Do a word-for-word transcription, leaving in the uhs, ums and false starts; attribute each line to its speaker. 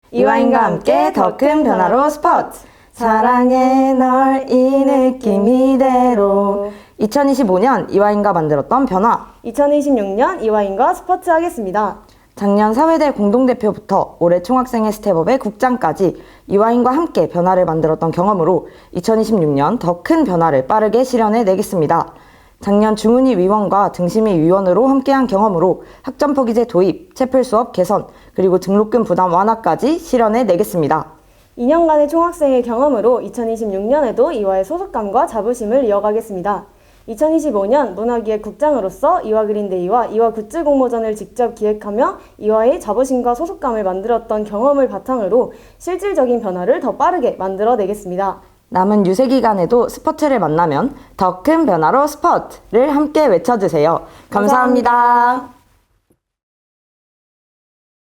Speaker 1: 이화인과 함께 더 큰 변화로 스포츠! 사랑해 널 이 느낌 이대로. 이천이십오 년 이화인과 만들었던 변화.
Speaker 2: 이천이십육 년 이화인과 스포츠 하겠습니다.
Speaker 1: 작년 사회대 공동대표부터 올해 총학생회 스텝업의 국장까지 이화인과 함께 변화를 만들었던 경험으로 이천이십육 년 더 큰 변화를 빠르게 실현해 내겠습니다. 작년 중은위 위원과 등심위 위원으로 함께한 경험으로 학점포기제 도입, 채플 수업 개선, 그리고 등록금 부담 완화까지 실현해 내겠습니다.
Speaker 2: 이 년간의 총학생의 경험으로 이천이십육 년에도 이화의 소속감과 자부심을 이어가겠습니다. 이천이십오 년 문화기획국장으로서 이화그린데이와 이화 굿즈 공모전을 직접 기획하며 이화의 자부심과 소속감을 만들었던 경험을 바탕으로 실질적인 변화를 더 빠르게 만들어내겠습니다.
Speaker 1: 남은 유세 기간에도 스포츠를 만나면 더 큰 변화로 스포츠를 함께 외쳐주세요. 감사합니다.
Speaker 2: 감사합니다.